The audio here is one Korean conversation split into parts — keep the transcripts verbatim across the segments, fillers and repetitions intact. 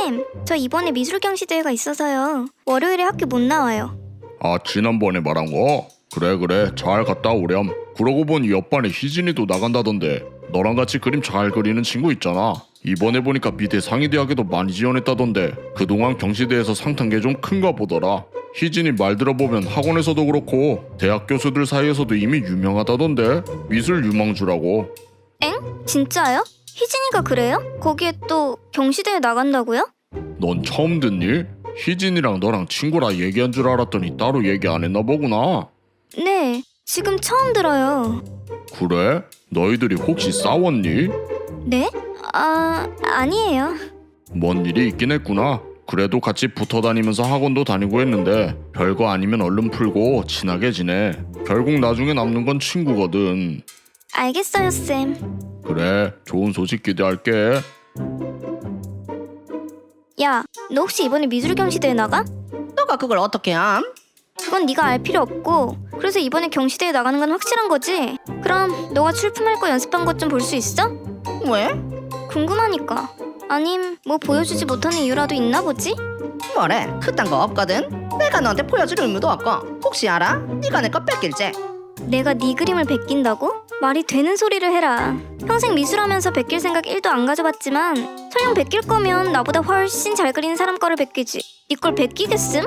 쌤, 저 이번에 미술경시대회가 있어서요. 월요일에 학교 못 나와요. 아, 지난번에 말한 거? 그래 그래, 잘 갔다 오렴. 그러고 보니 옆반에 희진이도 나간다던데. 너랑 같이 그림 잘 그리는 친구 있잖아. 이번에 보니까 미대 상위대학에도 많이 지원했다던데. 그동안 경시대에서 상 탄 게 좀 큰가 보더라. 희진이 말 들어보면 학원에서도 그렇고 대학 교수들 사이에서도 이미 유명하다던데. 미술 유망주라고. 엥? 진짜요? 희진이가 그래요? 거기에 또 경시대회 나간다고요? 넌 처음 듣니? 희진이랑 너랑 친구라 얘기한 줄 알았더니 따로 얘기 안 했나 보구나. 네, 지금 처음 들어요. 그래? 너희들이 혹시 싸웠니? 네? 아, 아니에요. 뭔 일이 있긴 했구나. 그래도 같이 붙어 다니면서 학원도 다니고 했는데 별거 아니면 얼른 풀고 친하게 지내. 결국 나중에 남는 건 친구거든. 알겠어요, 쌤. 그래, 좋은 소식 기대할게. 야, 너 혹시 이번에 미술경시대회 나가? 너가 그걸 어떻게 함? 그건 네가 알 필요 없고, 그래서 이번에 경시대회 나가는 건 확실한 거지? 그럼 너가 출품할 거 연습한 것 좀 볼 수 있어? 왜? 궁금하니까. 아님 뭐 보여주지 못하는 이유라도 있나 보지? 뭐래? 그딴 거 없거든. 내가 너한테 보여줄 의무도 없고. 혹시 알아? 네가 내 거 뺏길지? 내가 네 그림을 베낀다고? 말이 되는 소리를 해라. 평생 미술하면서 베낄 생각 일도 안 가져봤지만 설령 베낄 거면 나보다 훨씬 잘 그리는 사람 거를 베끼지. 네 걸 베끼겠음?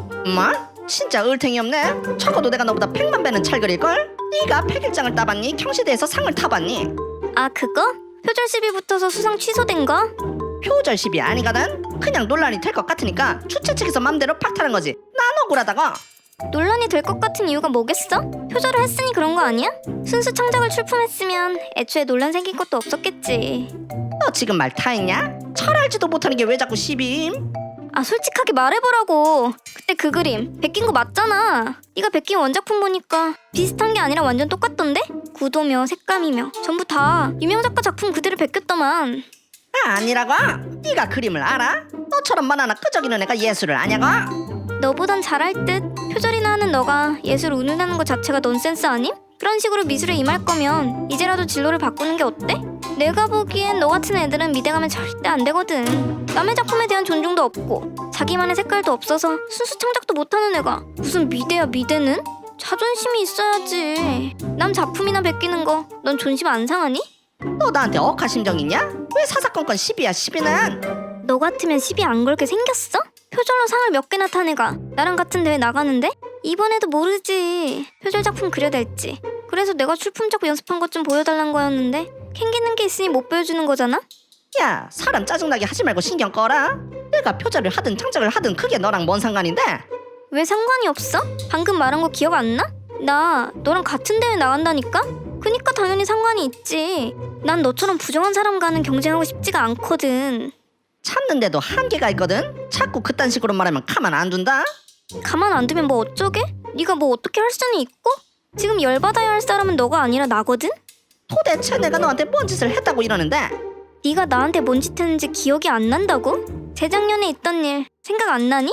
뭐? 진짜 을탱이 없네. 적어도 내가 너보다 백만 배는 잘 그릴걸? 네가 백일장을 따봤니? 경시대에서 상을 타봤니? 아, 그거? 표절 시비 붙어서 수상 취소된 거? 표절 시비 아니거든? 그냥 논란이 될 것 같으니까 주최 측에서 맘대로 팍타는 거지. 난 억울하다고. 논란이 될 것 같은 이유가 뭐겠어? 표절을 했으니 그런 거 아니야? 순수 창작을 출품했으면 애초에 논란 생긴 것도 없었겠지. 너 지금 말 타했냐? 철알지도 못하는 게 왜 자꾸 시비임? 아, 솔직하게 말해보라고. 그때 그 그림 베낀 거 맞잖아. 네가 베낀 원작품 보니까 비슷한 게 아니라 완전 똑같던데? 구도며 색감이며 전부 다 유명 작가 작품 그대로 베꼈더만. 아, 아니라고? 네가 그림을 알아? 너처럼 만화나 끄적이는 애가 예술을 아냐고? 너보단 잘할 듯. 표절이나 하는 너가 예술 운운하는 것 자체가 넌센스 아님? 그런 식으로 미술에 임할 거면 이제라도 진로를 바꾸는 게 어때? 내가 보기엔 너 같은 애들은 미대 가면 절대 안 되거든. 남의 작품에 대한 존중도 없고 자기만의 색깔도 없어서 순수 창작도 못하는 애가 무슨 미대야. 미대는? 자존심이 있어야지. 남 작품이나 베끼는 거 넌 존심 안 상하니? 너 나한테 억하심정 있냐? 왜 사사건건 시비야 시비는? 너 같으면 시비 안 걸게 생겼어? 표절로 상을 몇 개나 탄 애가 나랑 같은 대회 나가는데? 이번에도 모르지. 표절 작품 그려댈지. 그래서 내가 출품작 연습한 것 좀 보여달란 거였는데 캥기는 게 있으니 못 보여주는 거잖아? 야, 사람 짜증나게 하지 말고 신경 꺼라. 내가 표절을 하든 창작을 하든 그게 너랑 뭔 상관인데? 왜 상관이 없어? 방금 말한 거 기억 안 나? 나 너랑 같은 대회 나간다니까? 그니까 당연히 상관이 있지. 난 너처럼 부정한 사람과는 경쟁하고 싶지가 않거든. 참는데도 한계가 있거든? 자꾸 그딴 식으로 말하면 가만 안 둔다? 가만 안 두면 뭐 어쩌게? 네가 뭐 어떻게 할 수는 있고? 지금 열받아야 할 사람은 너가 아니라 나거든? 도대체 내가 너한테 뭔 짓을 했다고 이러는데? 네가 나한테 뭔 짓 했는지 기억이 안 난다고? 재작년에 있던 일 생각 안 나니?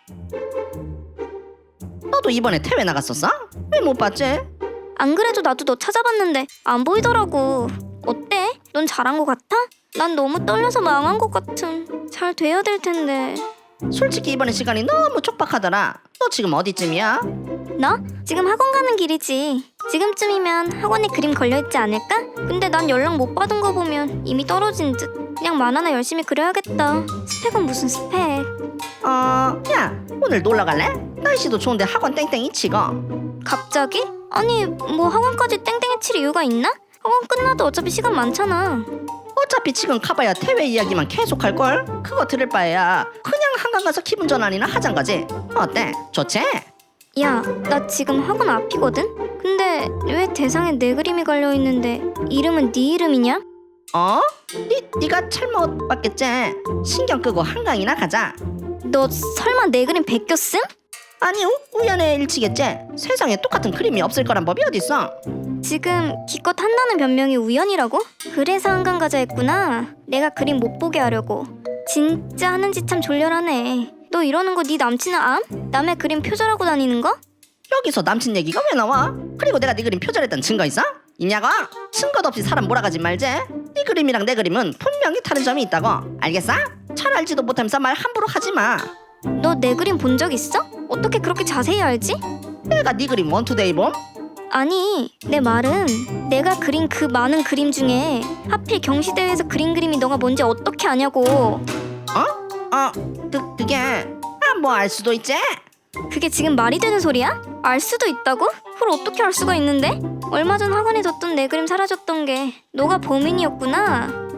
너도 이번에 대회 나갔었어? 왜 못 봤지? 안 그래도 나도 너 찾아봤는데 안 보이더라고. 어때? 넌 잘한 거 같아? 난 너무 떨려서 망한 것 같음. 잘 돼야 될 텐데. 솔직히 이번에 시간이 너무 촉박하더라. 너 지금 어디쯤이야? 나? 지금 학원 가는 길이지. 지금쯤이면 학원에 그림 걸려있지 않을까? 근데 난 연락 못 받은 거 보면 이미 떨어진 듯. 그냥 만화나 열심히 그려야겠다. 스펙은 무슨 스펙. 어... 야, 오늘 놀러 갈래? 날씨도 좋은데 학원 땡땡이 치고. 갑자기? 아니 뭐 학원까지 땡땡이 칠 이유가 있나? 학원 끝나도 어차피 시간 많잖아. 어차피 지금 가봐야 대회 이야기만 계속 할걸? 그거 들을 바에야 그냥 한강 가서 기분 전환이나 하잔 거지. 어때? 좋지? 야, 나 지금 학원 앞이거든? 근데 왜 대상에 내 그림이 걸려있는데 이름은 네 이름이냐? 어? 니, 니가 잘못 봤겠지? 신경 끄고 한강이나 가자. 너 설마 내 그림 베꼈음? 아니, 우, 우연의 일치겠지? 세상에 똑같은 그림이 없을 거란 법이 어딨어? 지금 기껏 한다는 변명이 우연이라고? 그래서 한강 가자 했구나. 내가 그림 못 보게 하려고. 진짜 하는 짓 참 졸렬하네. 너 이러는 거 네 남친은 암? 남의 그림 표절하고 다니는 거? 여기서 남친 얘기가 왜 나와? 그리고 내가 네 그림 표절했던 증거 있어? 있냐고? 증거 없이 사람 몰아가지 말지. 네 그림이랑 내 그림은 분명히 다른 점이 있다고. 알겠어? 잘 알지도 못하면서 말 함부로 하지 마. 너 내 그림 본 적 있어? 어떻게 그렇게 자세히 알지? 내가 네 그림 원투데이 봄? 아니, 내 말은 내가 그린 그 많은 그림 중에 하필 경시대회에서 그린 그림이 너가 뭔지 어떻게 아냐고. 어? 어, 그, 그게 아, 뭐 알 수도 있지? 그게 지금 말이 되는 소리야? 알 수도 있다고? 그걸 어떻게 알 수가 있는데? 얼마 전 학원에 뒀던 내 그림 사라졌던 게 너가 범인이었구나.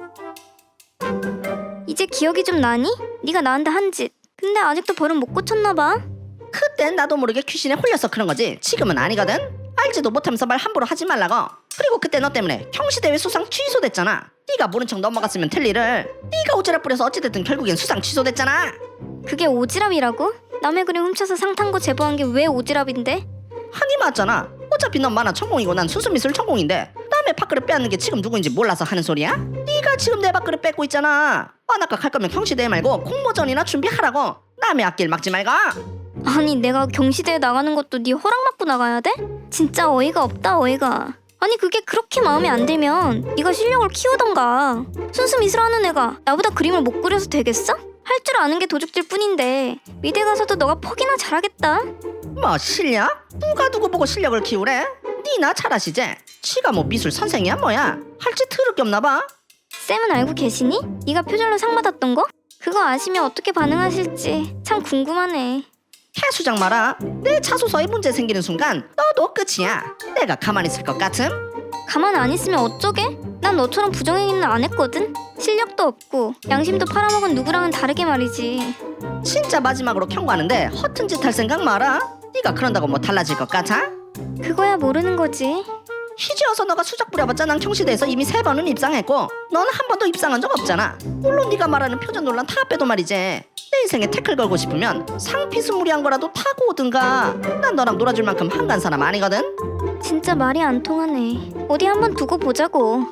이제 기억이 좀 나니? 네가 나한테 한 짓. 근데 아직도 버릇 못 고쳤나 봐. 그땐 나도 모르게 귀신에 홀려서 그런 거지. 지금은 아니거든. 알지도 못하면서 말 함부로 하지 말라고. 그리고 그때 너 때문에 경시대회 수상 취소됐잖아. 네가 모른 척 넘어갔으면 될 일을 네가 오지랖 부려서 어찌됐든 결국엔 수상 취소됐잖아. 그게 오지랖이라고? 남의 그림 훔쳐서 상 탄 거 제보한 게 왜 오지랖인데? 하니 맞잖아. 어차피 넌 만화 전공이고 난 수수미술 전공인데 남의 밥그릇 빼앗는 게 지금 누구인지 몰라서 하는 소리야? 네가 지금 내 밥그릇 뺏고 있잖아. 만화과 갈 거면 경시대회 말고 공모전이나 준비하라고. 남의 앞길 막지 말고. 아니 내가 경시대회 나가는 것도 네 허락받고 나가야 돼? 진짜 어이가 없다 어이가. 아니 그게 그렇게 마음에 안 들면 네가 실력을 키우던가. 순수 미술하는 애가 나보다 그림을 못 그려서 되겠어? 할 줄 아는 게 도둑질 뿐인데 미대 가서도 너가 퍽이나 잘하겠다. 뭐 실력? 누가 누구 보고 실력을 키우래? 니나 잘하시지? 지가 뭐 미술 선생이야 뭐야? 할 짓 더럽게 없나 봐. 쌤은 알고 계시니? 네가 표절로 상 받았던 거? 그거 아시면 어떻게 반응하실지 참 궁금하네. 해수장 마라. 내 자소서에 문제 생기는 순간 너도 끝이야. 내가 가만히 있을 것 같음? 가만 안 있으면 어쩌게? 난 너처럼 부정행위는 안 했거든. 실력도 없고 양심도 팔아먹은 누구랑은 다르게 말이지. 진짜 마지막으로 경고하는데 허튼 짓 할 생각 마라. 네가 그런다고 뭐 달라질 것 같아? 그거야 모르는 거지. 희지어서 너가 수작 부려봤자 난 경시대에서 이미 세 번은 입상했고 너는 한 번도 입상한 적 없잖아. 물론 네가 말하는 표전 논란 다 빼도 말이지. 내 인생에 태클 걸고 싶으면 상피스무리한 거라도 타고 오든가. 난 너랑 놀아줄 만큼 한간 사람 아니거든. 진짜 말이 안 통하네. 어디 한번 두고 보자고.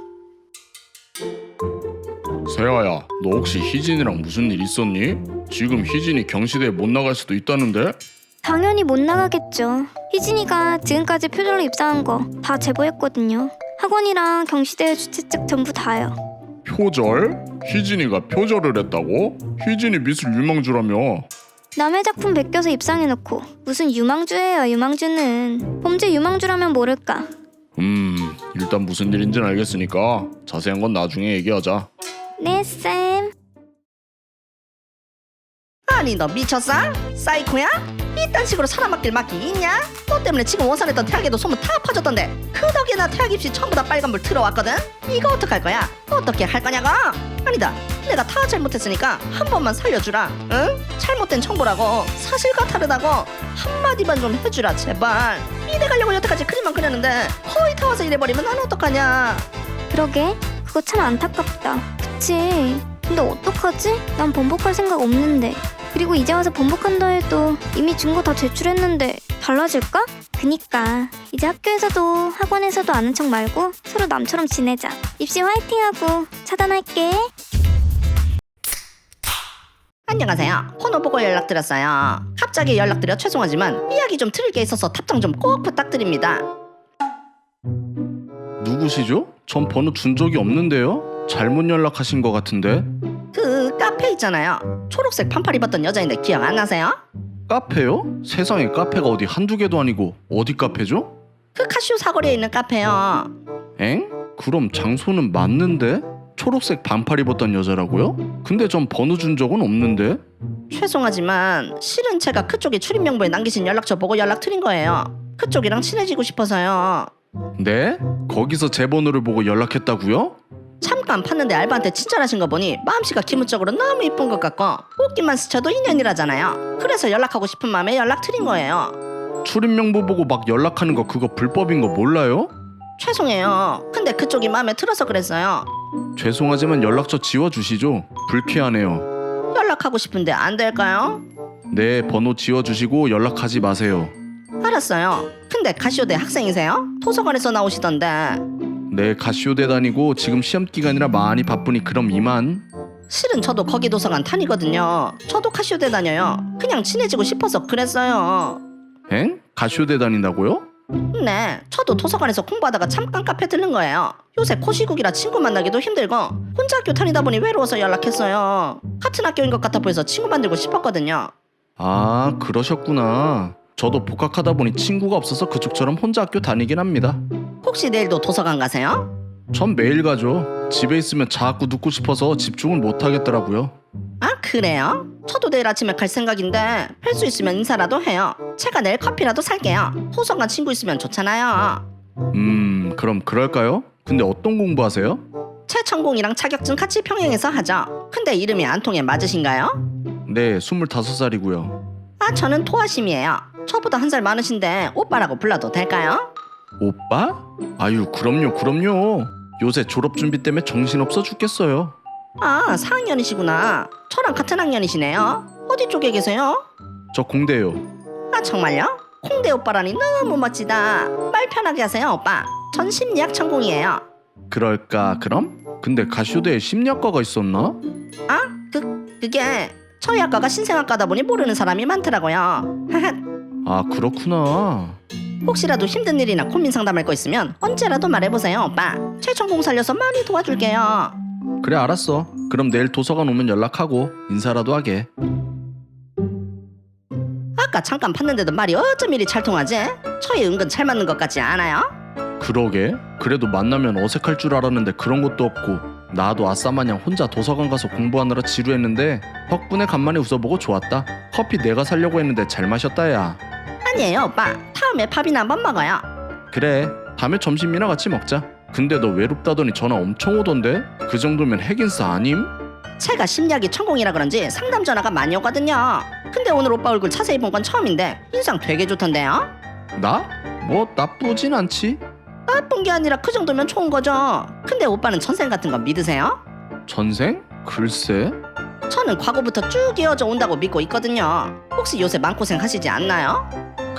세아야, 너 혹시 희진이랑 무슨 일 있었니? 지금 희진이 경시대에 못 나갈 수도 있다는데? 당연히 못 나가겠죠. 희진이가 지금까지 표절로 입사한 거 다 제보했거든요. 학원이랑 경시대회 주최 측 전부 다요. 표절? 희진이가 표절을 했다고? 희진이 미술 유망주라며. 남의 작품 베껴서 입상해놓고 무슨 유망주예요 유망주는. 범죄 유망주라면 모를까. 음, 일단 무슨 일인지는 알겠으니까 자세한 건 나중에 얘기하자. 네 쌤. 아니 너 미쳤어? 사이코야? 이딴 식으로 사람 맡길 막기 있냐? 너 때문에 지금 원산했던 태학에도 소문 다 퍼졌던데 그 덕에 나 태학 입시 전부 다 빨간불 들어왔거든? 이거 어떡할 거야? 어떻게 할 거냐고? 아니다, 내가 다 잘못했으니까 한 번만 살려주라. 응? 잘못된 정보라고 사실과 다르다고 한마디만 좀 해주라 제발. 미대 가려고 여태까지 그림만 그렸는데 거의 다 와서 이래버리면 난 어떡하냐. 그러게 그거 참 안타깝다. 그치. 근데 어떡하지? 난 번복할 생각 없는데. 그리고 이제 와서 번복한다 해도 이미 증거 다 제출했는데 달라질까? 그니까 이제 학교에서도 학원에서도 아는 척 말고 서로 남처럼 지내자. 입시 화이팅하고 차단할게. 안녕하세요. 번호 보고 연락드렸어요. 갑자기 연락드려 죄송하지만 이야기 좀 드릴 게 있어서 답장 좀 꼭 부탁드립니다. 누구시죠? 전 번호 준 적이 없는데요? 잘못 연락하신 것 같은데? 그 카페 있잖아요. 초록색 반팔 입었던 여자인데 기억 안 나세요? 카페요? 세상에 카페가 어디 한두 개도 아니고 어디 카페죠? 그 카시오 사거리에 있는 카페요. 엥? 그럼 장소는 맞는데? 초록색 반팔 입었던 여자라고요? 근데 전 번호 준 적은 없는데? 죄송하지만 실은 제가 그쪽에 출입 명부에 남기신 연락처 보고 연락드린 거예요. 그쪽이랑 친해지고 싶어서요. 네? 거기서 제 번호를 보고 연락했다고요? 잠깐 팠는데 알바한테 친절하신 거 보니 마음씨가 기본적으로 너무 이쁜 것 같고 옷깃만 스쳐도 인연이라잖아요. 그래서 연락하고 싶은 마음에 연락드린 거예요. 출입 명부 보고 막 연락하는 거 그거 불법인 거 몰라요? 죄송해요. 근데 그쪽이 마음에 들어서 그랬어요. 죄송하지만 연락처 지워주시죠. 불쾌하네요. 연락하고 싶은데 안 될까요? 네, 번호 지워주시고 연락하지 마세요. 알았어요. 근데 가시오대 학생이세요? 도서관에서 나오시던데. 네, 가시오대 다니고 지금 시험 기간이라 많이 바쁘니 그럼 이만. 실은 저도 거기 도서관 다니거든요. 저도 가시오대 다녀요. 그냥 친해지고 싶어서 그랬어요. 엥? 가시오대 다닌다고요? 네, 저도 도서관에서 공부하다가 잠깐 카페 들른 거예요. 요새 코시국이라 친구 만나기도 힘들고 혼자 학교 다니다 보니 외로워서 연락했어요. 같은 학교인 것 같아 보여서 친구 만들고 싶었거든요. 아, 그러셨구나. 저도 복학하다 보니 친구가 없어서 그쪽처럼 혼자 학교 다니긴 합니다. 혹시 내일도 도서관 가세요? 전 매일 가죠. 집에 있으면 자꾸 눕고 싶어서 집중을 못 하겠더라고요. 아, 그래요? 저도 내일 아침에 갈 생각인데 뵐 수 있으면 인사라도 해요. 제가 내일 커피라도 살게요. 도서관 친구 있으면 좋잖아요. 음, 그럼 그럴까요? 근데 어떤 공부하세요? 제 전공이랑 자격증 같이 병행해서 하죠. 근데 이름이 안 통해 맞으신가요? 네, 스물다섯 살이고요. 아, 저는 토아심이에요. 저보다 한 살 많으신데 오빠라고 불러도 될까요? 오빠? 아유, 그럼요, 그럼요. 요새 졸업 준비 때문에 정신없어 죽겠어요. 아, 사 학년이시구나. 저랑 같은 학년이시네요. 어디 쪽에 계세요? 저 공대요. 아, 정말요? 콩대 오빠라니 너무 멋지다. 말 편하게 하세요, 오빠. 전 심리학 전공이에요. 그럴까 그럼? 근데 가쇼대에 심리학과가 있었나? 아, 그, 그게 저희 학과가 신생학과다 보니 모르는 사람이 많더라고요. 아, 그렇구나. 혹시라도 힘든 일이나 고민 상담할 거 있으면 언제라도 말해보세요, 오빠. 제 전공 살려서 많이 도와줄게요. 그래, 알았어. 그럼 내일 도서관 오면 연락하고 인사라도 하게. 아까 잠깐 봤는데도 말이 어쩜 이리 잘 통하지? 저희 은근 잘 맞는 것 같지 않아요? 그러게. 그래도 만나면 어색할 줄 알았는데 그런 것도 없고, 나도 아싸마냥 혼자 도서관 가서 공부하느라 지루했는데 덕분에 간만에 웃어보고 좋았다. 커피 내가 사려고 했는데 잘 마셨다 야. 아니에요, 오빠. 다음에 밥이나 한번 먹어요. 그래, 다음에 점심이나 같이 먹자. 근데 너 외롭다더니 전화 엄청 오던데? 그 정도면 핵인싸 아님? 제가 심리학이 전공이라 그런지 상담 전화가 많이 오거든요. 근데 오늘 오빠 얼굴 자세히 본 건 처음인데 인상 되게 좋던데요? 나? 뭐 나쁘진 않지. 나쁜 게 아니라 그 정도면 좋은 거죠. 근데 오빠는 전생 같은 거 믿으세요? 전생? 글쎄. 저는 과거부터 쭉 이어져 온다고 믿고 있거든요. 혹시 요새 마음고생 하시지 않나요?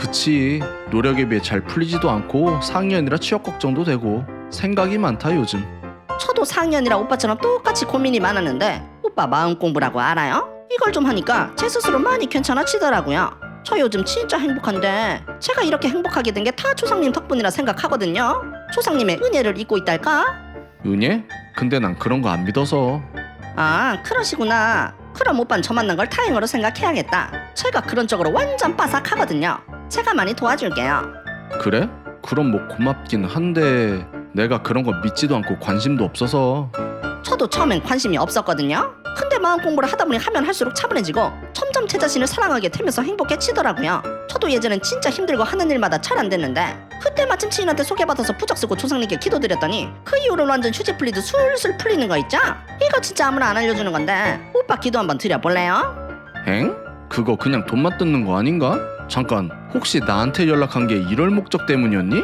그치. 노력에 비해 잘 풀리지도 않고 사 학년이라 취업 걱정도 되고 생각이 많다 요즘. 저도 사 학년이라 오빠처럼 똑같이 고민이 많았는데 오빠 마음 공부라고 알아요? 이걸 좀 하니까 제 스스로 많이 괜찮아지더라고요. 저 요즘 진짜 행복한데 제가 이렇게 행복하게 된 게 다 조상님 덕분이라 생각하거든요. 조상님의 은혜를 잊고 있달까? 은혜? 근데 난 그런 거 안 믿어서. 아, 그러시구나. 그럼 오빤 저 만난 걸 다행으로 생각해야겠다. 제가 그런 쪽으로 완전 빠삭하거든요. 제가 많이 도와줄게요. 그래? 그럼 뭐 고맙긴 한데 내가 그런 거 믿지도 않고 관심도 없어서. 저도 처음엔 관심이 없었거든요. 근데 마음 공부를 하다 보니 하면 할수록 차분해지고 점점 제 자신을 사랑하게 되면서 행복해지더라고요. 저도 예전엔 진짜 힘들고 하는 일마다 잘 안 됐는데 그때 마침 지인한테 소개받아서 부적 쓰고 조상님께 기도드렸더니 그 이후로 완전 휴지 풀리듯 술술 풀리는 거 있죠? 이거 진짜 아무나 안 알려주는 건데 오빠 기도 한번 드려볼래요? 엥? 그거 그냥 돈만 뜯는 거 아닌가? 잠깐, 혹시 나한테 연락한 게 이럴 목적 때문이었니?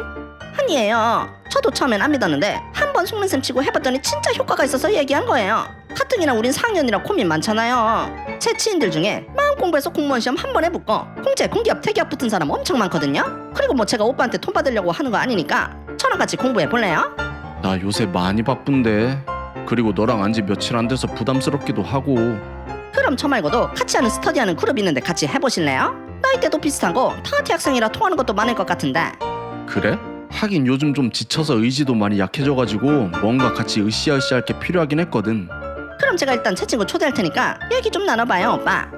아니에요. 저도 처음엔 안 믿었는데 한 번 속는 셈 치고 해봤더니 진짜 효과가 있어서 얘기한 거예요. 가뜩이나 우린 사 학년이라 고민 많잖아요. 제 지인들 중에 마음 공부해서 공무원 시험 한 번에 붙고 공채, 공기업, 대기업 붙은 사람 엄청 많거든요. 그리고 뭐 제가 오빠한테 돈 받으려고 하는 거 아니니까 저랑 같이 공부해 볼래요? 나 요새 많이 바쁜데. 그리고 너랑 안지 며칠 안 돼서 부담스럽기도 하고. 그럼 저 말고도 같이 하는 스터디하는 그룹 있는데 같이 해보실래요? 나이대도 비슷하고 다 대학생이라 통하는 것도 많을 것 같은데. 그래? 하긴 요즘 좀 지쳐서 의지도 많이 약해져가지고 뭔가 같이 으쌰으쌰할 게 필요하긴 했거든. 그럼 제가 일단 제 친구 초대할 테니까 얘기 좀 나눠봐요, 오빠.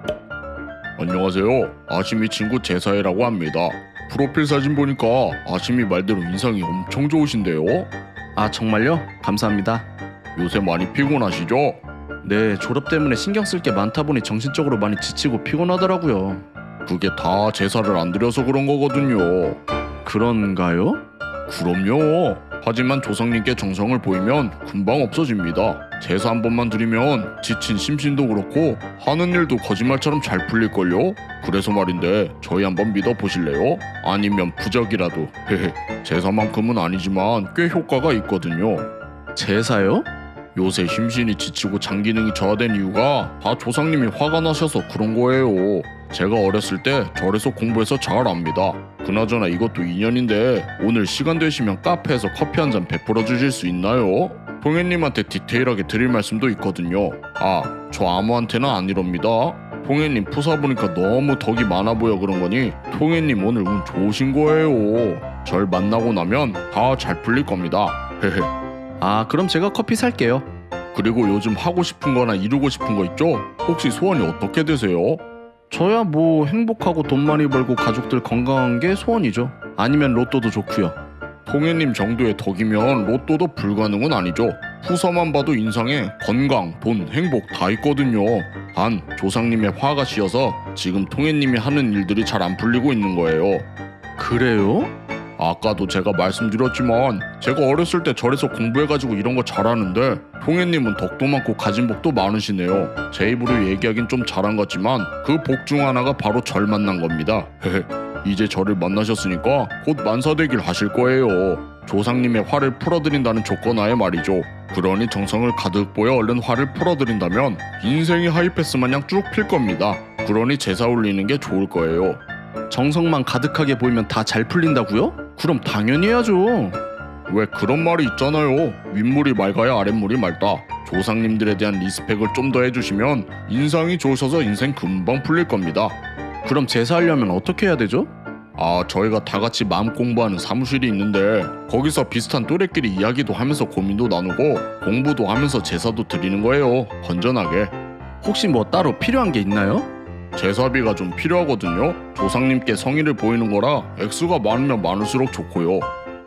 안녕하세요. 아심이 친구 제사이라고 합니다. 프로필 사진 보니까 아심이 말대로 인상이 엄청 좋으신데요. 아, 정말요? 감사합니다. 요새 많이 피곤하시죠? 네, 졸업 때문에 신경 쓸 게 많다 보니 정신적으로 많이 지치고 피곤하더라고요. 그게 다 제사를 안 드려서 그런 거거든요. 그런가요? 그럼요. 하지만 조상님께 정성을 보이면 금방 없어집니다. 제사 한 번만 드리면 지친 심신도 그렇고 하는 일도 거짓말처럼 잘 풀릴걸요? 그래서 말인데 저희 한번 믿어보실래요? 아니면 부적이라도. 헤헤. 제사만큼은 아니지만 꽤 효과가 있거든요. 제사요? 요새 심신이 지치고 장기능이 저하된 이유가 다 조상님이 화가 나셔서 그런 거예요. 제가 어렸을 때 절에서 공부해서 잘 압니다. 그나저나 이것도 인연인데 오늘 시간 되시면 카페에서 커피 한 잔 베풀어 주실 수 있나요? 봉혜님한테 디테일하게 드릴 말씀도 있거든요. 아, 저 아무한테나 안 이럽니다. 통해님 푸사 보니까 너무 덕이 많아 보여 그런 거니 통해님 오늘 운 좋으신 거예요. 절 만나고 나면 다 잘 풀릴 겁니다. 헤헤. 아, 그럼 제가 커피 살게요. 그리고 요즘 하고 싶은 거나 이루고 싶은 거 있죠? 혹시 소원이 어떻게 되세요? 저야 뭐 행복하고 돈 많이 벌고 가족들 건강한 게 소원이죠. 아니면 로또도 좋고요. 통해님 정도의 덕이면 로또도 불가능은 아니죠. 후서만 봐도 인상에 건강, 돈, 행복 다 있거든요. 단 조상님의 화가 씌어서 지금 통해님이 하는 일들이 잘 안 풀리고 있는 거예요. 그래요? 아까도 제가 말씀드렸지만 제가 어렸을 때 절에서 공부해가지고 이런 거 잘하는데 통해님은 덕도 많고 가진 복도 많으시네요. 제 입으로 얘기하긴 좀 잘한 것 같지만 그 복 중 하나가 바로 절 만난 겁니다. 헤헤. 이제 저를 만나셨으니까 곧 만사되길 하실 거예요. 조상님의 화를 풀어드린다는 조건하에 말이죠. 그러니 정성을 가득 보여 얼른 화를 풀어드린다면 인생이 하이패스 마냥 쭉 필 겁니다. 그러니 제사 올리는 게 좋을 거예요. 정성만 가득하게 보이면 다 잘 풀린다고요? 그럼 당연히 해야죠. 왜 그런 말이 있잖아요. 윗물이 맑아야 아랫물이 맑다. 조상님들에 대한 리스펙을 좀 더 해주시면 인상이 좋으셔서 인생 금방 풀릴 겁니다. 그럼 제사하려면 어떻게 해야 되죠? 아, 저희가 다 같이 마음 공부하는 사무실이 있는데 거기서 비슷한 또래끼리 이야기도 하면서 고민도 나누고 공부도 하면서 제사도 드리는 거예요. 건전하게. 혹시 뭐 따로 필요한 게 있나요? 제사비가 좀 필요하거든요. 조상님께 성의를 보이는 거라 액수가 많으면 많을수록 좋고요.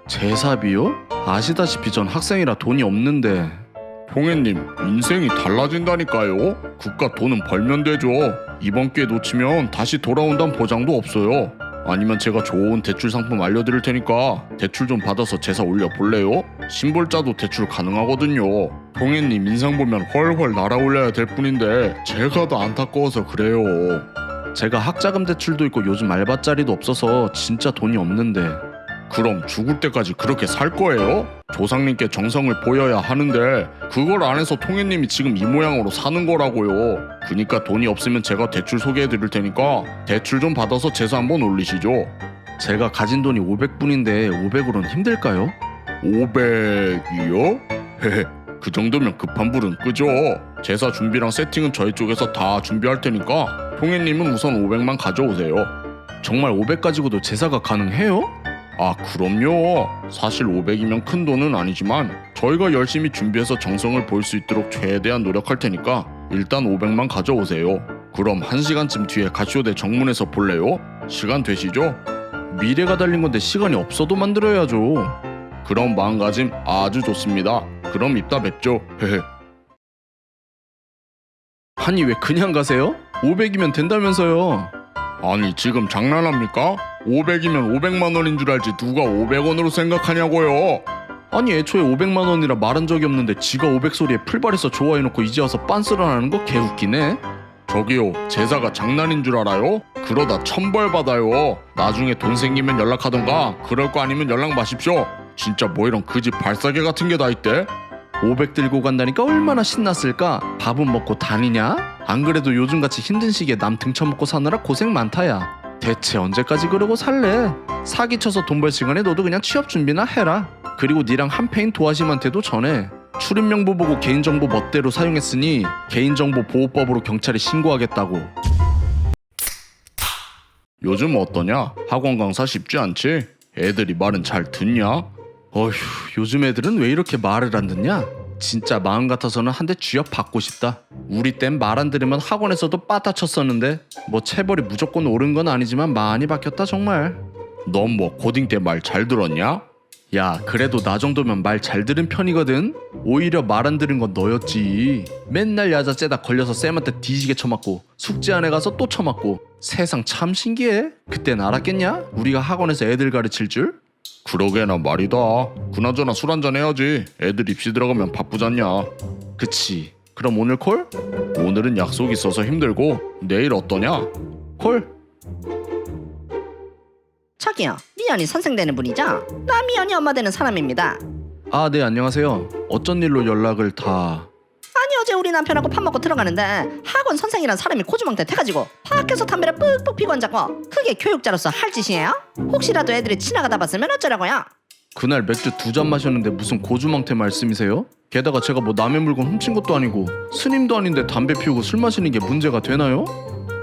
제사비요? 아시다시피 전 학생이라 돈이 없는데. 통해님, 인생이 달라진다니까요. 그깟 돈은 벌면 되죠. 이번 기회 놓치면 다시 돌아온다는 보장도 없어요. 아니면 제가 좋은 대출 상품 알려드릴 테니까 대출 좀 받아서 제사 올려볼래요? 신불자도 대출 가능하거든요. 통해님 인상 보면 훨훨 날아올려야 될 뿐인데 제가 더 안타까워서 그래요. 제가 학자금 대출도 있고 요즘 알바자리도 없어서 진짜 돈이 없는데. 그럼 죽을 때까지 그렇게 살 거예요? 조상님께 정성을 보여야 하는데 그걸 안 해서 통해님이 지금 이 모양으로 사는 거라고요. 그니까 돈이 없으면 제가 대출 소개해 드릴 테니까 대출 좀 받아서 제사 한번 올리시죠. 제가 가진 돈이 오백 분인데 오백으로는 힘들까요? 오백이요? 헤헤, 그 정도면 급한 불은 끄죠. 제사 준비랑 세팅은 저희 쪽에서 다 준비할 테니까 통해님은 우선 오백만 가져오세요. 정말 오백 가지고도 제사가 가능해요? 아, 그럼요. 사실 오백이면 큰 돈은 아니지만 저희가 열심히 준비해서 정성을 보일 수 있도록 최대한 노력할 테니까 일단 오백만 가져오세요. 그럼 한 시간쯤 뒤에 가시오대 정문에서 볼래요? 시간 되시죠? 미래가 달린 건데 시간이 없어도 만들어야죠. 그럼 마음가짐 아주 좋습니다. 그럼 이따 뵙죠. 헤헤. 아니 왜 그냥 가세요? 오백이면 된다면서요. 아니 지금 장난합니까? 오백이면 오백만 원인 줄 알지 누가 오백 원으로 생각하냐고요. 아니 애초에 오백만 원이라 말한 적이 없는데 지가 오백 소리에 풀발해서 좋아해놓고 이제 와서 빤스런하는 거 개웃기네. 저기요, 제사가 장난인 줄 알아요? 그러다 천벌 받아요. 나중에 돈 생기면 연락하던가 그럴 거 아니면 연락 마십시오. 진짜 뭐 이런 그지 발사계 같은 게 다 있대? 오백 들고 간다니까 얼마나 신났을까. 밥은 먹고 다니냐? 안 그래도 요즘같이 힘든 시기에 남 등쳐먹고 사느라 고생 많다야. 대체 언제까지 그러고 살래? 사기쳐서 돈 벌 시간에 너도 그냥 취업 준비나 해라. 그리고 니랑 한패인 도화심한테도 전해. 출입명부 보고 개인정보 멋대로 사용했으니 개인정보보호법으로 경찰에 신고하겠다고. 요즘 어떠냐? 학원 강사 쉽지 않지? 애들이 말은 잘 듣냐? 어휴, 요즘 애들은 왜 이렇게 말을 안 듣냐? 진짜 마음 같아서는 한 대 쥐업 받고 싶다. 우리 땐 말 안 들으면 학원에서도 빠따 쳤었는데 뭐 체벌이 무조건 옳은 건 아니지만 많이 바뀌었다 정말. 넌 뭐 고딩 때 말 잘 들었냐? 야, 그래도 나 정도면 말 잘 들은 편이거든. 오히려 말 안 들은 건 너였지. 맨날 야자 째다 걸려서 쌤한테 뒤지게 쳐맞고 숙제 안 해가서 또 쳐맞고. 세상 참 신기해. 그땐 알았겠냐? 우리가 학원에서 애들 가르칠 줄? 그러게나 말이다. 그나저나 술 한잔 해야지. 애들 입시 들어가면 바쁘잖냐. 그치. 그럼 오늘 콜? 오늘은 약속 있어서 힘들고 내일 어떠냐? 콜? 저기요, 미연이 선생 되는 분이죠? 나 미연이 엄마 되는 사람입니다. 아, 네, 안녕하세요. 어쩐 일로 연락을 다... 아니 어제 우리 남편하고 밥 먹고 들어가는데 학원 선생이란 사람이 코주망태 태가지고 밖에서 담배를 뿍뿍 피고 앉았고 그게 교육자로서 할 짓이에요? 혹시라도 애들이 지나가다 봤으면 어쩌라고요? 그날 맥주 두 잔 마셨는데 무슨 고주망태 말씀이세요? 게다가 제가 뭐 남의 물건 훔친 것도 아니고 스님도 아닌데 담배 피우고 술 마시는 게 문제가 되나요?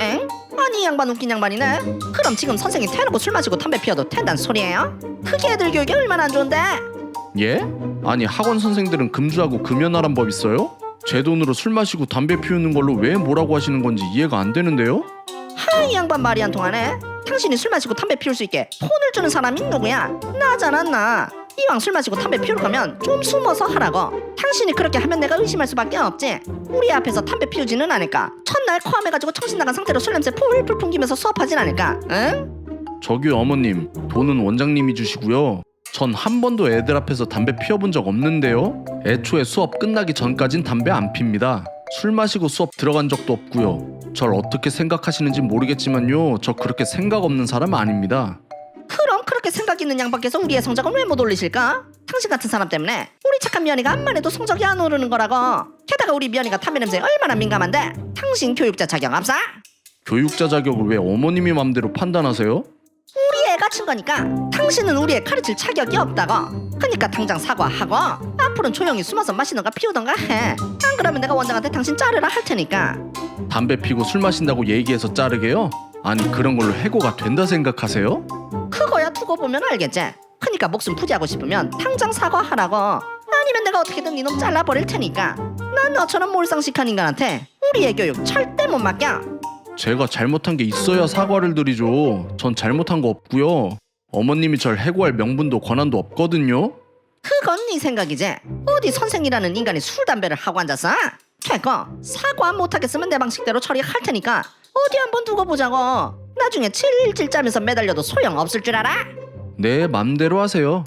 양반 웃긴 양반이네. 그럼 지금 선생이 대놓고 술 마시고 담배 피워도 된다는 소리예요? 그게 애들 교육이 얼마나 안 좋은데? 예? 아니 학원 선생들은 금주하고 금연하란 법 있어요? 제 돈으로 술 마시고 담배 피우는 걸로 왜 뭐라고 하시는 건지 이해가 안 되는데요? 하이 양반 말이 안 통하네. 당신이 술 마시고 담배 피울 수 있게 폰을 주는 사람이 누구야? 나잖아 나. 이왕 술 마시고 담배 피울 거면 좀 숨어서 하라고. 당신이 그렇게 하면 내가 의심할 수밖에 없지. 우리 앞에서 담배 피우지는 않을까? 첫날 코암해가지고 정신 나간 상태로 술 냄새 풀풀 풍기면서 수업하진 않을까? 응? 저기 어머님, 돈은 원장님이 주시고요. 전 한 번도 애들 앞에서 담배 피워본 적 없는데요. 애초에 수업 끝나기 전까진 담배 안 핍니다. 술 마시고 수업 들어간 적도 없고요. 절 어떻게 생각하시는지 모르겠지만요, 저 그렇게 생각 없는 사람 아닙니다. 그럼 그렇게 생각 있는 양반께서 우리의 성적을 왜 못 올리실까? 당신 같은 사람 때문에 우리 착한 미연이가 암만 해도 성적이 안 오르는 거라고. 게다가 우리 미연이가 담배 냄새에 얼마나 민감한데 당신 교육자 자격 없어? 교육자 자격을 왜 어머님이 맘대로 판단하세요? 우리 애가 친 거니까 당신은 우리 애 가르칠 자격이 없다고. 그러니까 당장 사과하고 앞으로는 조용히 숨어서 마시던가 피우던가 해. 안 그러면 내가 원장한테 당신 자르라 할 테니까. 담배 피고 술 마신다고 얘기해서 자르게요? 아니 그런 걸로 해고가 된다 생각하세요? 그거야 두고 보면 알겠지. 그러니까 목숨 부지하고 싶으면 당장 사과하라고. 아니면 내가 어떻게든 니놈 잘라버릴 테니까. 난 너처럼 몰상식한 인간한테 우리 애 교육 절대 못 맡겨. 제가 잘못한 게 있어야 사과를 드리죠. 전 잘못한 거 없고요. 어머님이 절 해고할 명분도 권한도 없거든요. 그건 네 생각이지. 어디 선생이라는 인간이 술 담배를 하고 앉았어? 됐고 사과 못하겠으면 내 방식대로 처리할 테니까 어디 한번 두고 보자고. 나중에 칠칠 짜면서 매달려도 소용없을 줄 알아? 네, 맘대로 하세요.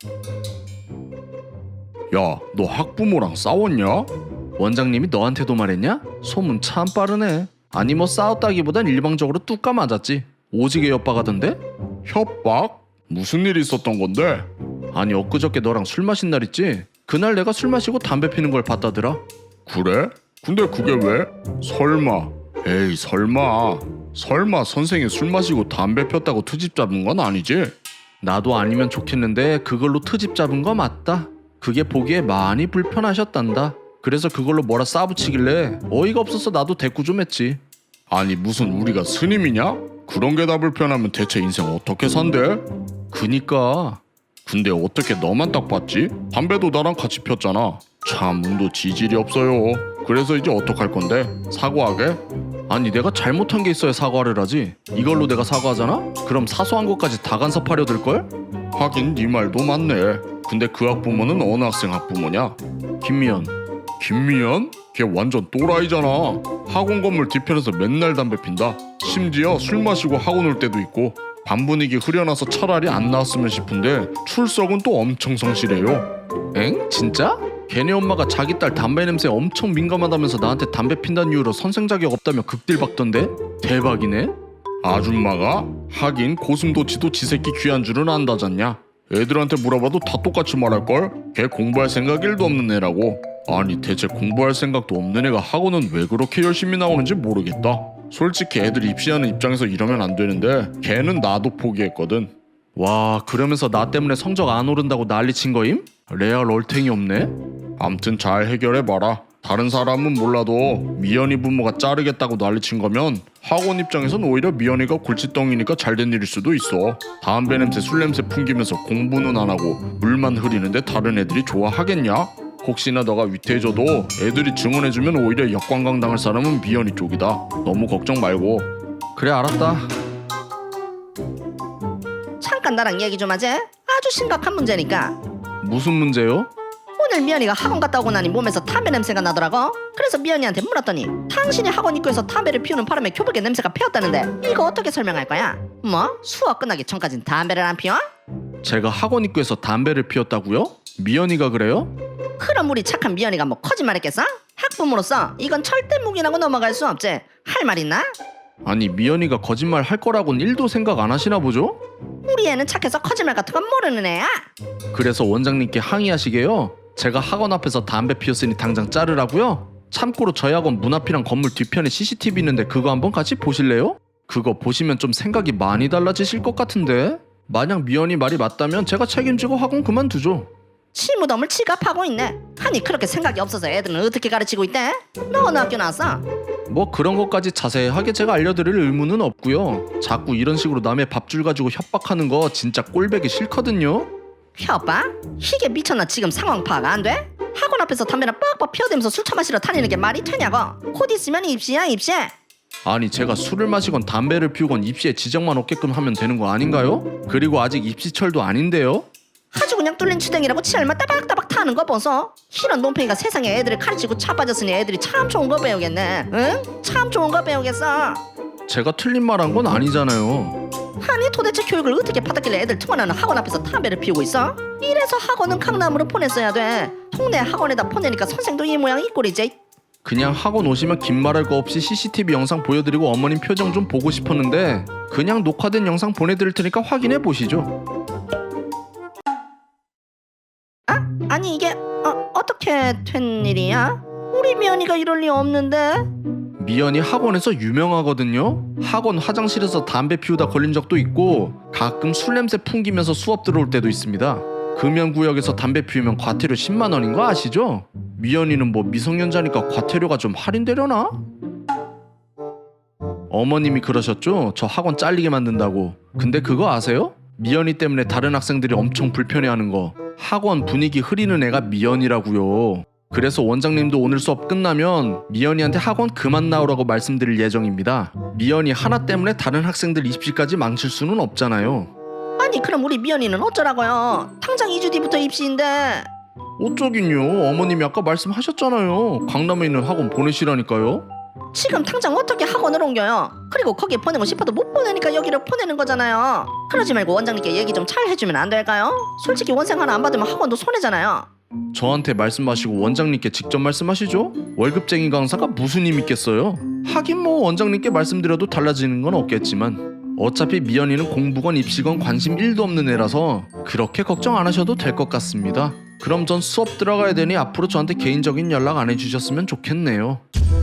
야, 너 학부모랑 싸웠냐? 원장님이 너한테도 말했냐? 소문 참 빠르네. 아니 뭐 싸웠다기보단 일방적으로 뚝까 맞았지. 오지게 협박하던데? 협박? 무슨 일이 있었던 건데? 아니 엊그저께 너랑 술 마신 날 있지? 그날 내가 술 마시고 담배 피는 걸 봤다더라. 그래? 근데 그게 왜? 설마. 에이 설마. 설마 선생이 술 마시고 담배 폈다고 트집 잡은 건 아니지? 나도 아니면 좋겠는데 그걸로 트집 잡은 거 맞다. 그게 보기에 많이 불편하셨단다. 그래서 그걸로 뭐라 싸붙이길래 어이가 없어서 나도 대꾸 좀 했지. 아니 무슨 우리가 스님이냐? 그런 게 다 불편하면 대체 인생 어떻게 산대? 그니까. 근데 어떻게 너만 딱 봤지? 담배도 나랑 같이 폈잖아. 참 운도 지질이 없어요. 그래서 이제 어떡할 건데? 사과하게? 아니 내가 잘못한 게 있어야 사과를 하지. 이걸로 내가 사과하잖아? 그럼 사소한 것까지 다 간섭하려 들걸? 하긴 네 말도 맞네. 근데 그 학부모는 어느 학생 학부모냐? 김미연. 김미연? 걔 완전 또라이잖아. 학원 건물 뒤편에서 맨날 담배 핀다. 심지어 술 마시고 학원 올 때도 있고. 반 분위기 흐려놔서 차라리 안 나왔으면 싶은데 출석은 또 엄청 성실해요. 엥? 진짜? 걔네 엄마가 자기 딸 담배 냄새 엄청 민감하다면서 나한테 담배 핀다는 이유로 선생 자격 없다며 극딜 박던데? 대박이네? 아줌마가? 하긴 고슴도치도 지 새끼 귀한 줄은 안다잖냐. 애들한테 물어봐도 다 똑같이 말할걸? 걔 공부할 생각 일도 없는 애라고. 아니 대체 공부할 생각도 없는 애가 학원은 왜 그렇게 열심히 나오는지 모르겠다. 솔직히 애들 입시하는 입장에서 이러면 안 되는데 걔는 나도 포기했거든. 와 그러면서 나 때문에 성적 안 오른다고 난리친 거임? 레알 얼탱이 없네? 암튼 잘 해결해봐라. 다른 사람은 몰라도 미연이 부모가 자르겠다고 난리친 거면 학원 입장에선 오히려 미연이가 골칫덩이니까 잘된 일일 수도 있어. 담배 냄새 술 냄새 풍기면서 공부는 안 하고 물만 흐리는데 다른 애들이 좋아하겠냐? 혹시나 너가 위태해져도 애들이 증언해주면 오히려 역관광 당할 사람은 미연이 쪽이다. 너무 걱정 말고. 그래 알았다. 잠깐 나랑 얘기 좀 하지. 아주 심각한 문제니까. 무슨 문제요? 오늘 미연이가 학원 갔다 오고 나니 몸에서 담배 냄새가 나더라고. 그래서 미연이한테 물었더니 당신이 학원 입구에서 담배를 피우는 바람에 교복에 냄새가 배었다는데 이거 어떻게 설명할 거야? 뭐? 수업 끝나기 전까진 담배를 안 피워? 제가 학원 입구에서 담배를 피웠다고요? 미연이가 그래요? 그럼 우리 착한 미연이가 뭐 거짓말했겠어? 학부모로서 이건 절대 묵인하고 넘어갈 수 없지. 할 말 있나? 아니 미연이가 거짓말 할 거라고는 일도 생각 안 하시나 보죠? 우리 애는 착해서 거짓말 같은 건 모르는 애야. 그래서 원장님께 항의하시게요? 제가 학원 앞에서 담배 피웠으니 당장 자르라고요? 참고로 저희 학원 문 앞이랑 건물 뒤편에 씨씨티비 있는데 그거 한번 같이 보실래요? 그거 보시면 좀 생각이 많이 달라지실 것 같은데? 만약 미연이 말이 맞다면 제가 책임지고 학원 그만두죠. 시무덤을 지갑하고 있네. 아니 그렇게 생각이 없어서 애들은 어떻게 가르치고 있대? 너 어느 학교 나왔어? 뭐 그런 것까지 자세하게 제가 알려드릴 의무는 없고요. 자꾸 이런 식으로 남의 밥줄 가지고 협박하는 거 진짜 꼴배기 싫거든요. 협박? 이게 미쳤나 지금 상황 파악 안 돼? 학원 앞에서 담배나 뻑뻑 피워대면서 술 처마시러 다니는 게 말이 되냐고. 곧 있으면 입시야 입시. 아니 제가 술을 마시건 담배를 피우건 입시에 지장만 없게끔 하면 되는 거 아닌가요? 그리고 아직 입시철도 아닌데요? 아주 그냥 뚫린 추댕이라고 치알만 따박따박 타는 거 보소. 이런 논팽이가 세상에 애들을 가르치고 차빠졌으니 애들이 참 좋은 거 배우겠네. 응? 참 좋은 거 배우겠어. 제가 틀린 말 한 건 아니잖아요. 아니 도대체 교육을 어떻게 받았길래 애들 통화하는 학원 앞에서 담배를 피우고 있어? 이래서 학원은 강남으로 보냈어야 돼. 동네 학원에다 보내니까 선생도 이 모양 이 꼴이지. 그냥 학원 오시면 긴 말할 거 없이 씨씨티비 영상 보여드리고 어머님 표정 좀 보고 싶었는데 그냥 녹화된 영상 보내드릴 테니까 확인해 보시죠. 아? 아니 이게 어, 어떻게 된 일이야? 우리 미연이가 이럴 리 없는데. 미연이 학원에서 유명하거든요. 학원 화장실에서 담배 피우다 걸린 적도 있고 가끔 술 냄새 풍기면서 수업 들어올 때도 있습니다. 금연구역에서 담배 피우면 과태료 십만 원인 거 아시죠? 미연이는 뭐 미성년자니까 과태료가 좀 할인되려나? 어머님이 그러셨죠? 저 학원 잘리게 만든다고. 근데 그거 아세요? 미연이 때문에 다른 학생들이 엄청 불편해하는 거. 학원 분위기 흐리는 애가 미연이라고요. 그래서 원장님도 오늘 수업 끝나면 미연이한테 학원 그만 나오라고 말씀드릴 예정입니다. 미연이 하나 때문에 다른 학생들 입시까지 망칠 수는 없잖아요. 아니 그럼 우리 미연이는 어쩌라고요? 당장 이 주 뒤부터 입시인데. 어쩌긴요. 어머님이 아까 말씀하셨잖아요. 강남에 있는 학원 보내시라니까요. 지금 당장 어떻게 학원을 옮겨요? 그리고 거기에 보내고 싶어도 못 보내니까 여기를 보내는 거잖아요. 그러지 말고 원장님께 얘기 좀 잘 해주면 안 될까요? 솔직히 원생 하나 안 받으면 학원도 손해잖아요. 저한테 말씀하시고 원장님께 직접 말씀하시죠. 월급쟁이 강사가 무슨 힘 있겠어요. 하긴 뭐 원장님께 말씀드려도 달라지는 건 없겠지만 어차피 미연이는 공부건 입시건 관심 일도 없는 애라서 그렇게 걱정 안 하셔도 될 것 같습니다. 그럼 전 수업 들어가야 되니 앞으로 저한테 개인적인 연락 안 해주셨으면 좋겠네요.